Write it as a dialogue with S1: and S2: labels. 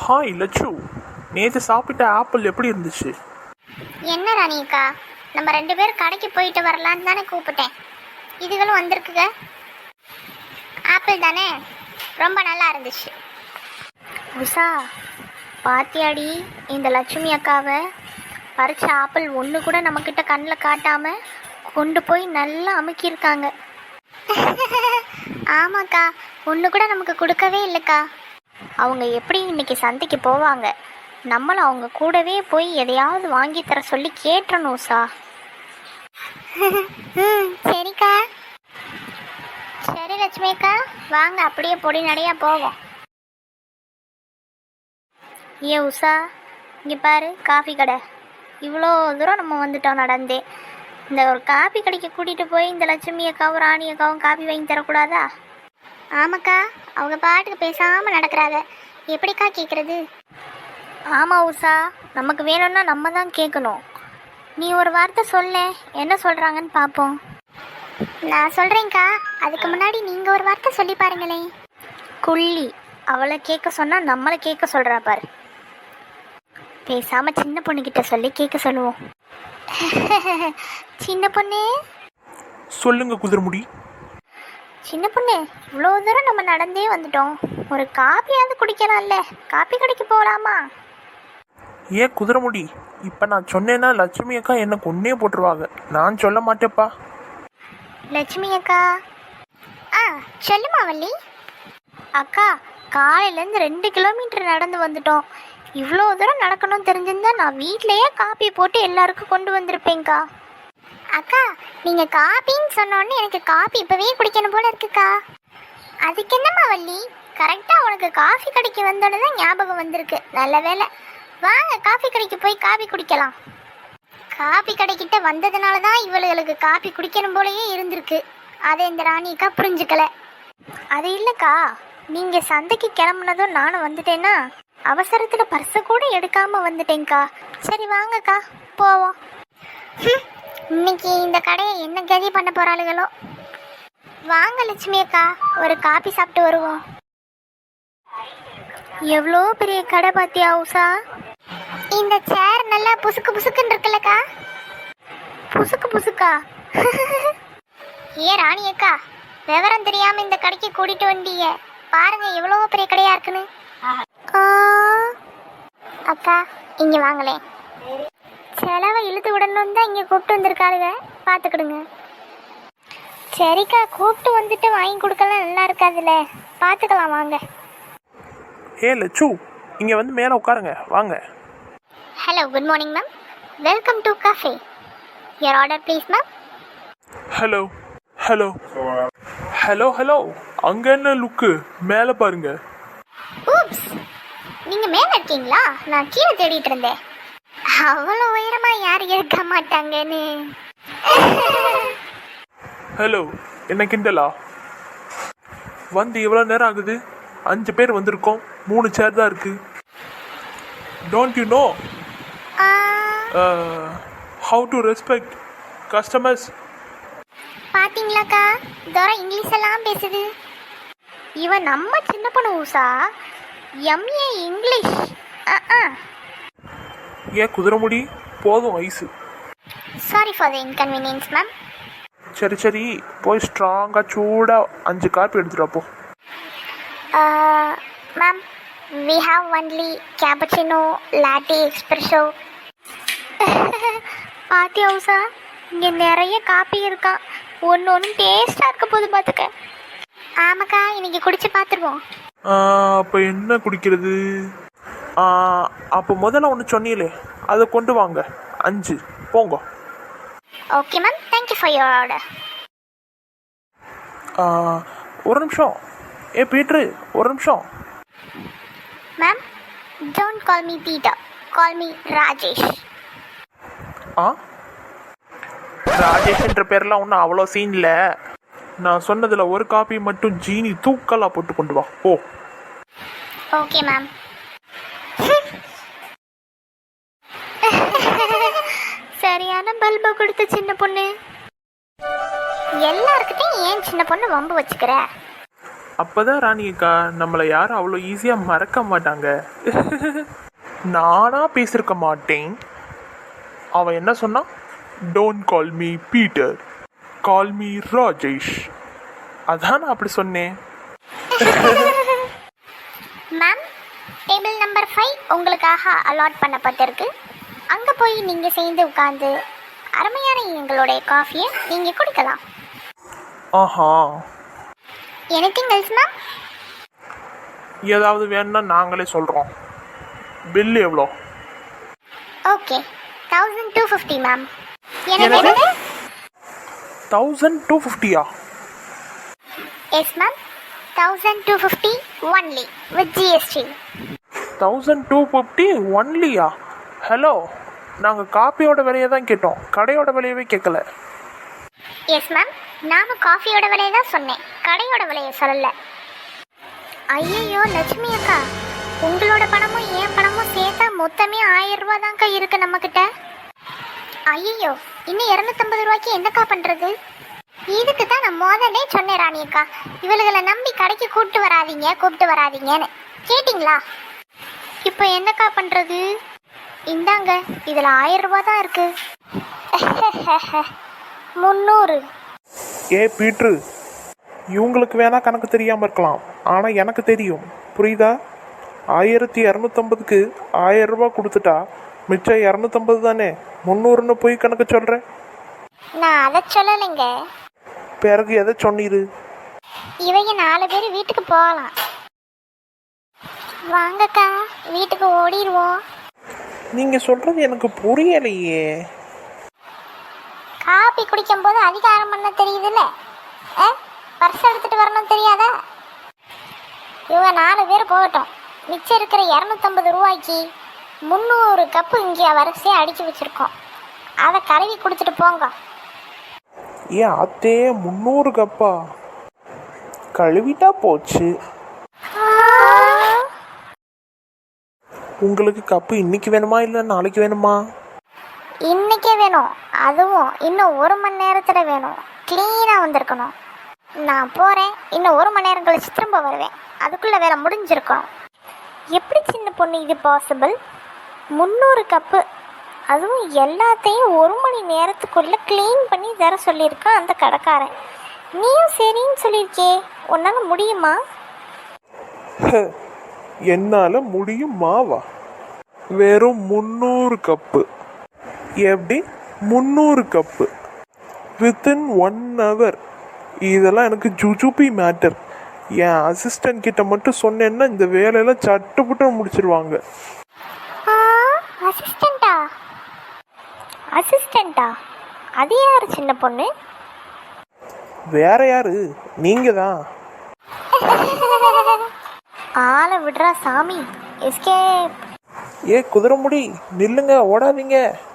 S1: Hi Latchu, நேற்று சாப்பிட்ட apple எப்படி இருந்துச்சு?
S2: என்ன ராணிக்கா, நம்ம 2 பேரும் கடைக்கு போயிட்டு வரலான்னு தானே கூப்பிட்டேன். இதுகளும் வந்திருக்குங்க. ஆப்பிள் தானே, ரொம்ப நல்லா இருந்துச்சு. உஷா, பாத்தியாடி இந்த லட்சுமி அக்காவை? பறிச்ச ஆப்பிள் ஒன்று கூட நம்மக்கிட்ட கண்ணில் காட்டாமல் கொண்டு போய் நல்லா அமுக்கியிருக்காங்க. ஆமாக்கா, ஒன்று கூட நமக்கு கொடுக்கவே இல்லைக்கா. அவங்க எப்படி இன்னைக்கு சந்தைக்கு போவாங்க? நம்மளும் அவங்க கூடவே போய் எதையாவது வாங்கி தர சொல்லி கேட்டணும் உஷா. சரிக்கா. சரி லட்சுமி அக்கா, வாங்க அப்படியே பொடி நடையா போவோம். ஏ உஷா, இங்கே பாரு காஃபி கடை. இவ்வளோ தூரம் நம்ம வந்துட்டோம் நடந்தே. இந்த ஒரு காஃபி கடைக்கு கூட்டிகிட்டு போய் இந்த லட்சுமி அக்காவும் ராணி அக்காவும் காஃபி வாங்கி தரக்கூடாதா? ஆமாக்கா, அவங்க பாட்டுக்கு பேசாமல் நடக்கிறாங்க, எப்படிக்கா கேட்குறது? ஆமாம் உஷா, நமக்கு வேணும்னா நம்ம தான் கேட்கணும். நீ ஒரு வார்த்தை சொல்ல, என்ன சொல்கிறாங்கன்னு பார்ப்போம். நான் சொல்கிறேங்க்கா, அதுக்கு முன்னாடி நீங்கள் ஒரு வார்த்தை சொல்லி பாருங்களேன். குள்ளி, அவளை கேட்க சொன்னால் நம்மளை கேட்க சொல்கிறா பாரு. பேசாமல் சின்ன பொண்ணுக்கிட்ட சொல்லி கேட்க சொல்லுவோம். சின்ன பொண்ணு
S1: சொல்லுங்க குதிரமுடி.
S2: சின்ன பொண்ணு, இவ்வளோ தூரம் நம்ம நடந்தே வந்துட்டோம், ஒரு காப்பியாவது குடிக்கலாம்ல? காப்பி கடைக்கு போகலாமா?
S1: ஏன் குதிரமுடி, இப்போ நான் சொன்னேன்னா லட்சுமி அக்கா என்னை கொன்னே போட்டுருவாங்க. நான் சொல்ல மாட்டேப்பா.
S2: லட்சுமி அக்கா. சொல்லுமா வள்ளி. அக்கா, காலையிலேருந்து 2 கிலோமீட்டர் நடந்து வந்துட்டோம். இவ்வளோ தூரம் நடக்கணும்னு தெரிஞ்சிருந்தா நான் வீட்டிலையே காப்பி போட்டு எல்லாருக்கும் கொண்டு வந்திருப்பேங்க்கா. அக்கா, நீங்கள் காப்பின்னு சொன்னோன்னே எனக்கு காப்பி இப்போவே குடிக்கணும் போல இருக்குக்கா. அதுக்கு என்னம்மா வள்ளி, கரெக்டாக உனக்கு காஃபி கடைக்கு வந்தோன்னு தான் ஞாபகம் வந்திருக்கு. நல்ல வேலை. வாங்க காஃபி கடைக்கு போய் காஃபி குடிக்கலாம். காஃபி கடைக்கிட்ட வந்ததுனால தான் இவளுகளுக்கு காஃபி குடிக்கணும் போலயே இருந்திருக்கு. அதை இந்த ராணிக்கா புரிஞ்சுக்கல. அது இல்லைக்கா, நீங்கள் சந்தைக்கு கிளம்புனதும் நானும் வந்துட்டேன்னா அவசரத்தில் பர்ஸை கூட எடுக்காமல் வந்துட்டேங்க்கா. சரி வாங்கக்கா போவோம். இன்னைக்கு இந்த கடையை என்ன கதி பண்ண போகிறாளுகளோ. வாங்க லட்சுமி அக்கா, ஒரு காபி சாப்பிட்டு வருவோம். எவ்வளோ பெரிய கடை பாத்தியா உஷா? இந்த சேர் நல்லா புசுக்கு புசுக்குன்னு இருக்குல்லக்கா. புசுக்கு புசுக்கா? ஏ ராணி அக்கா, விவரம் தெரியாம இந்த கடைக்கு கூட்டிட்டு வந்தீங்க. பாருங்க எவ்வளோ பெரிய கடையா இருக்குன்னு. அக்கா இங்க வாங்களேன். செலவை இழுத்து விடணும் தான் இங்கே கூப்பிட்டு வந்திருக்காளுங்க, பார்த்துக்கிடுங்க. சரிக்கா, கூப்பிட்டு வந்துட்டு வாங்கி கொடுக்கலாம், நல்லா இருக்காதுல்ல, பார்த்துக்கலாம் வாங்க.
S1: ஏ லட்சு, இங்கே வந்து மேலே உட்காருங்க, வாங்க.
S2: Hello, good morning ma'am. Welcome to cafe. Your order please ma'am.
S1: Hello hello hello hello, அங்கே என்ன லுக்கு? மேலே பாருங்க.
S2: ஊப்ஸ், நீங்கள் மேலே இருக்கீங்களா? நான் கீழே தேடிட்டு இருந்தேன். அவ்வளோ உயரமா யார் இருக்க மாட்டாங்கன்னு.
S1: ஹலோ, என்ன கிண்டலா? வந்து எவ்வளோ நேரம் ஆகுது? 5 பேர் வந்திருக்கோம், 3 சேர் தான் இருக்கு. Don't you know how to respect customers?
S2: பாத்தீங்களாக்கா, தோரா இங்கிலீஷ் எல்லாம் பேசுது. இவன் நம்ம சின்ன பொண்ணு ஊசா, எம்ஏ இங்கிலீஷ்.
S1: ஏன் குதிரமுடி, போதும் ice.
S2: Sorry for the inconvenience ma'am.
S1: சரி சரி, போய் ஸ்ட்ராங்காக சூடாக 5 காப்பி எடுத்துட்டு அப்போ.
S2: Ma'am, we have only cappuccino, latte, espresso. பாத்தியா ஊசா, இங்கே நிறைய காப்பி இருக்கான். ஒன்று டேஸ்டாக இருக்க போது பார்த்துக்க. ஆமாக்கா, இன்னைக்கு குடிச்சு பார்த்துருவோம்.
S1: அப்போ என்ன குடிக்கிறது? அப்போ முதல்ல ஒன்று சொன்னீங்களே, அதை கொண்டு வாங்க. 5 போங்க.
S2: Okay ma'am, thank you for your order.
S1: ஒரு நிமிஷம். ஏ பீட்ரு, ஒரு நிமிஷம்.
S2: Ma'am, don't call me Peter, call me Rajesh.
S1: ராஜேஷ்ன்ற பேர்லாம் ஒன்றும் அவ்வளோ சீன் இல்லை. நான் சொன்னதில் ஒரு காப்பி மட்டும் ஜீனி தூக்கலாக போட்டு கொண்டு வா. Oh
S2: okay ma'am. சரியான பல்பை கொடுத்த சின்ன பொண்ணு. எல்லாருக்கிட்டையும் ஏன் சின்ன பொண்ணு வம்பு வச்சுக்கிற?
S1: அப்பதான் ராணியக்கா நம்மளை யாரும் அவ்வளோ ஈஸியாக மறக்க மாட்டாங்க. நானா பேசியிருக்க மாட்டேன். அவன் என்ன சொன்னான்? Don't call me Peter, call me Rajesh. அதான் நான் அப்படி சொன்னேன்.
S2: மேம், டேபிள் நம்பர் 5 உங்களுக்காக அலாட் பண்ணப்பட்டிருக்கு. அங்கே போய் நீங்கள் சேர்ந்து உட்காந்து அருமையான எங்களுடைய காஃபியை நீங்கள் குடிக்கலாம்.
S1: ஆஹா,
S2: எனிதிங் எல்ஸ் மேம்?
S1: ஏதாவது வேணும்னா நாங்களே சொல்கிறோம். பில் எவ்வளோ?
S2: Okay, 1250 ma'am.
S1: என்னது? 1250?
S2: Yes ma'am, 1250 only with GST.
S1: 1250 ஒன்லியா? ஹலோ, நாங்கள் காப்பியோட விலையை தான் கேட்டோம், கடையோட விலையவே கேட்கல.
S2: எஸ் மேம், நானும் காஃபியோட விலையை தான் சொன்னேன், கடையோட விலையை சொல்லலை. ஐயோ லட்சுமி அக்கா, உங்களோட பணமும் என் பணமும் சேர்த்தா மொத்தமே 1000 ரூபா தான்க்கா இருக்கு நம்மக்கிட்ட. ஐயோ, இன்னும் 250 ரூபாய்க்கு என்னக்கா பண்ணுறது? இதுக்கு தான் நான் முதலே சொன்னேன் ராணி அக்கா, இவளுகளை நம்பி கடைக்கு கூப்பிட்டு வராதீங்கன்னு. கேட்டிங்களா? இப்போ என்னக்கா பண்ணுறது? இந்தாங்க, இதில் 1000 ரூபா தான் இருக்கு. 300.
S1: ஏ பீட்ரு, இவங்களுக்கு வேணா கணக்கு தெரியாமல் இருக்கலாம், ஆனால் எனக்கு தெரியும், புரியுதா? 1250க்கு 1000 ரூபா கொடுத்துட்டா மிச்சம் 250 தானே. 300ன்னு போய் கணக்கு சொல்கிறேன்.
S2: நான் அதை சொல்லலைங்க.
S1: பிறகு எதை சொன்னீரு?
S2: இவங்க 4 பேர் வீட்டுக்கு போகலாம். வாங்கக்கா, வீட்டுக்கு ஓடிடுவோம்.
S1: நீங்கள் சொல்கிறது எனக்கு புரியலையே.
S2: காப்பி குடிக்கும் போது அதிகாரம் பண்ண தெரியுதுல்ல, பர்ஸ் எடுத்துட்டு வரணும் தெரியாதா? இவங்க 4 பேர் போகட்டும். மிச்சம் இருக்கிற 250 ரூபாய்க்கு 300 கப்பு இங்கே வரிசையாக அடித்து வச்சுருக்கோம். அதை கழுவி குடிச்சிட்டு போங்க.
S1: ஏன் அத்தே 300 கப்பா? கழுவிட்டா போச்சு. உங்களுக்கு கப்பு இன்னைக்கு வேணுமா இல்லை நாளைக்கு வேணுமா?
S2: இன்னைக்கே வேணும், அதுவும் இன்னும் 1 மணி நேரத்தில் வேணும். க்ளீனாக வந்திருக்கணும். நான் போகிறேன், இன்னும் 1 மணி நேரம் கழிச்சு திரும்ப வருவேன். அதுக்குள்ளே வேலை முடிஞ்சிருக்கணும். எப்படி சின்ன பொண்ணு இது பாசிபிள்? 300 கப்பு, அதுவும் எல்லாத்தையும் 1 மணி நேரத்துக்குள்ளே க்ளீன் பண்ணி தர சொல்லியிருக்கான் அந்த கடைக்காரன். நீயும் சரின்னு சொல்லியிருக்கே, உன்னால் முடியுமா?
S1: என்னால் முடியுமாவா? வெறும் 300 கப்பு. எப்படி 300 கப்பு வித்தின் 1 hour? இதெல்லாம் எனக்கு ஜுஜுபி மேட்டர். என் அசிஸ்டன்ட் கிட்ட மட்டும் சொன்னேன்னா இந்த வேலையெல்லாம் சட்டுப்புட்டு முடிச்சிருவாங்க.
S2: அசிஸ்டண்டா? அது யாரு சின்ன பொண்ணு?
S1: வேற யாரு, நீங்க தான்.
S2: ஆளை விடுறா சாமி. எஸ்கேப்.
S1: ஏ குதிரை முடி, நில்லுங்க, ஓடாதீங்க.